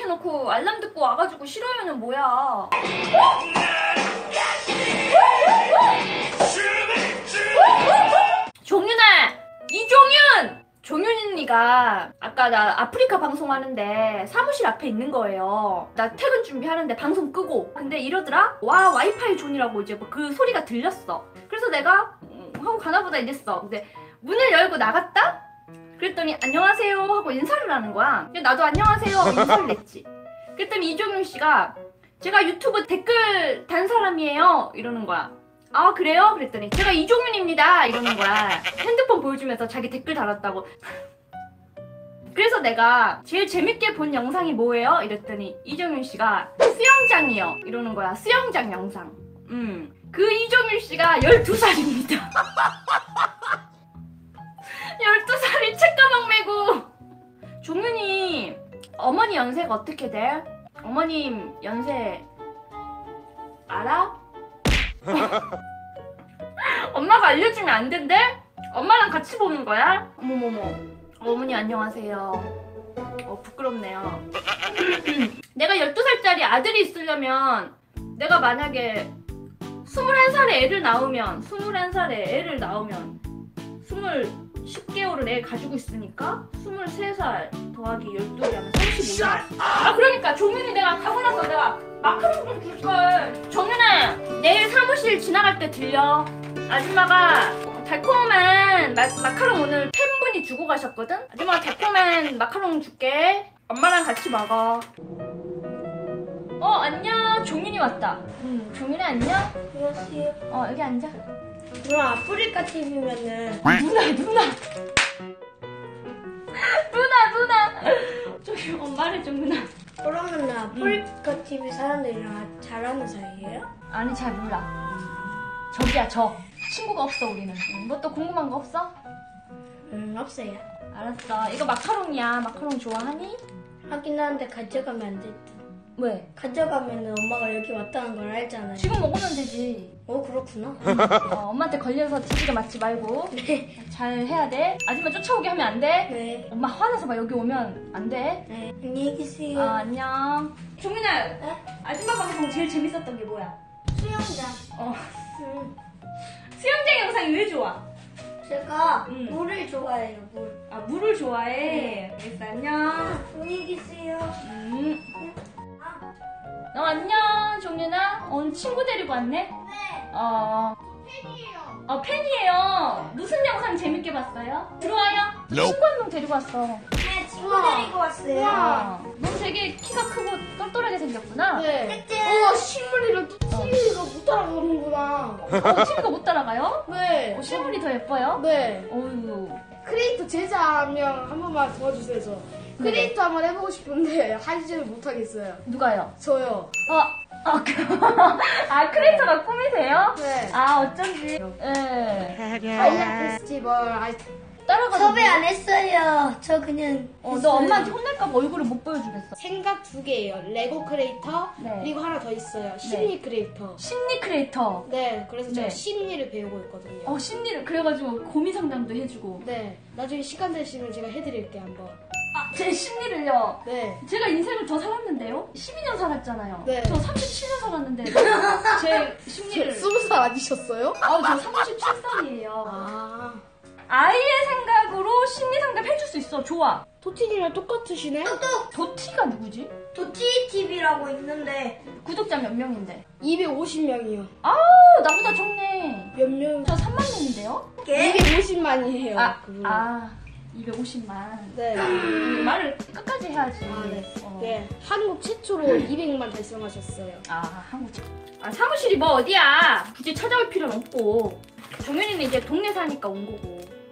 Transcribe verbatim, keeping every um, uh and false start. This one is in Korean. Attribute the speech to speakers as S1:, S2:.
S1: 켜놓고 알람 듣고 와가지고 싫어요는 뭐야? 종윤아! 이종윤! 종윤 언니가 아까 나 아프리카 방송하는데 사무실 앞에 있는 거예요. 나 퇴근 준비하는데 방송 끄고 근데 이러더라? 와 와이파이 존이라고 이제 뭐 그 소리가 들렸어. 그래서 내가 음, 하고 가나보다 이랬어. 근데 문을 열고 나갔다? 그랬더니 안녕하세요 하고 인사를 하는 거야. 나도 안녕하세요 하고 인사를 했지. 그랬더니 이종윤 씨가 제가 유튜브 댓글 단 사람이에요 이러는 거야. 아 그래요? 그랬더니 제가 이종윤입니다 이러는 거야. 핸드폰 보여주면서 자기 댓글 달았다고. 그래서 내가 제일 재밌게 본 영상이 뭐예요? 이랬더니 이종윤 씨가 수영장이요 이러는 거야. 수영장 영상. 음. 그 이종윤 씨가 열두 살입니다. 열두 살이 책가방 메고. 종윤이 어머니 연세가 어떻게 돼? 어머님 연세 알아? 엄마가 알려주면 안 된대? 엄마랑 같이 보는 거야? 어머머머. 어머니 안녕하세요. 어 부끄럽네요. 내가 열두 살짜리 아들이 있으려면 내가 만약에 스물한 살에 애를 낳으면 스물한 살에 애를 낳으면 스물 십 개월을 애 가지고 있으니까 스물세 살 더하기 열둘이 하면 삼십오 살. 아 그러니까 종윤이 내가 가고 나서 내가 마카롱 좀 줄걸. 종윤아 내일 사무실 지나갈 때 들려. 아줌마가 달콤한 마, 마카롱 오늘 팬분이 주고 가셨거든? 아줌마가 달콤한 마카롱 줄게. 엄마랑 같이 먹어. 어 안녕. 종윤이 왔다. 응 종윤이 안녕.
S2: 안녕하세요.
S1: 어 여기 앉아.
S2: 그럼 아프리카 티비면은
S1: 누나 누나 누나 누나 저기 엄마를 좀 누나.
S2: 그러면은 아프리카 티비 사람들이랑 잘하는 사이예요?
S1: 아니 잘 몰라. 저기야 저 친구가 없어 우리는. 뭐 또 궁금한 거 없어?
S2: 음 없어요.
S1: 알았어. 이거 마카롱이야. 마카롱 좋아하니?
S2: 하긴 하는데 가져가면 안 될 듯.
S1: 왜?
S2: 가져가면은 엄마가 여기 왔다는 걸 알잖아요.
S1: 지금 먹으면 되지.
S2: 어 그렇구나.
S1: 어, 엄마한테 걸려서 티비가 맞지 말고
S2: 네.
S1: 잘 해야 돼. 아줌마 쫓아오게 하면 안 돼.
S2: 네.
S1: 엄마 화나서 막 여기 오면 안 돼.
S2: 네. 안녕히 계세요.
S1: 아 안녕. 종민아
S2: 네?
S1: 아줌마 방송 제일 재밌었던 게 뭐야?
S2: 수영장.
S1: 어
S2: 음.
S1: 수영장 영상이 왜 좋아?
S2: 제가
S1: 음.
S2: 물을 좋아해요. 물.
S1: 아 물을 좋아해. 알겠어 안녕.
S2: 안녕히 계세요.
S1: 음. 어 안녕 종윤아. 오늘 친구 데리고 왔네?
S2: 네.
S1: 어.
S2: 팬이에요.
S1: 어 팬이에요. 무슨 영상 재밌게 봤어요? 들어와요. 친구 한 명 데리고 왔어.
S2: 네 친구
S1: 우와.
S2: 데리고 왔어요.
S1: 어. 넌 되게 키가 크고 똘똘하게 생겼구나.
S3: 네.
S2: 셋째.
S3: 우와 실물이랑 티비가 못 따라가는구나.
S1: 어, 친구가 못 따라가요?
S3: 네.
S1: 어, 실물이 더 예뻐요?
S3: 네.
S1: 어휴.
S3: 크리에이터 제자 한 명 한 번만 도와주세요. 저. 크리에이터 한번 해보고 싶은데 하지는 못하겠어요.
S1: 누가요?
S3: 저요.
S1: 어, 어, 그, 아, 크리에이터가 꿈이세요?
S3: 네.
S1: 아, 어쩐지. 예.
S3: 아이언 페스티벌 아이
S1: 따라가서.
S2: 섭외 안 했어요. 저 그냥.
S1: 어, 너
S2: 했어요.
S1: 엄마한테 혼날까봐 얼굴을 못 보여주겠어.
S3: 생각 두 개예요. 레고 크리에이터
S1: 네.
S3: 그리고 하나 더 있어요. 심리 크리에이터.
S1: 심리 크리에이터.
S3: 네. 그래서 제가
S1: 네.
S3: 심리를 배우고 있거든요.
S1: 어, 심리를. 그래가지고 고민 상담도 해주고.
S3: 네. 나중에 시간 되시면 제가 해드릴게요 한번.
S1: 아, 제 심리를요.
S3: 네.
S1: 제가 인생을 더 살았는데요? 십이 년 살았잖아요.
S3: 네.
S1: 저 삼십칠 년 살았는데 제 심리를.
S3: 스무 살 아니셨어요?
S1: 아, 저 삼십칠 살이에요.
S3: 아.
S1: 아이의 생각으로 심리 상담 해줄 수 있어. 좋아.
S3: 토티님이랑 똑같으시네?
S1: 도티가 누구지?
S2: 도티 티비라고 있는데
S1: 구독자 몇 명인데?
S3: 이백오십 명이요.
S1: 아우, 나보다 적네.
S3: 몇 명?
S1: 저 삼만 명인데요?
S3: 이백오십만이에요.
S1: 아, 아, 이백오십만.
S3: 네.
S1: 음, 말을 끝까지 해야지.
S3: 아, 네.
S1: 어.
S3: 네. 한국 최초로 이백만 달성하셨어요.
S1: 아, 한국. 아, 사무실이 뭐 어디야? 굳이 찾아올 필요는 없고. 정연이는 이제 동네 사니까 온 거고.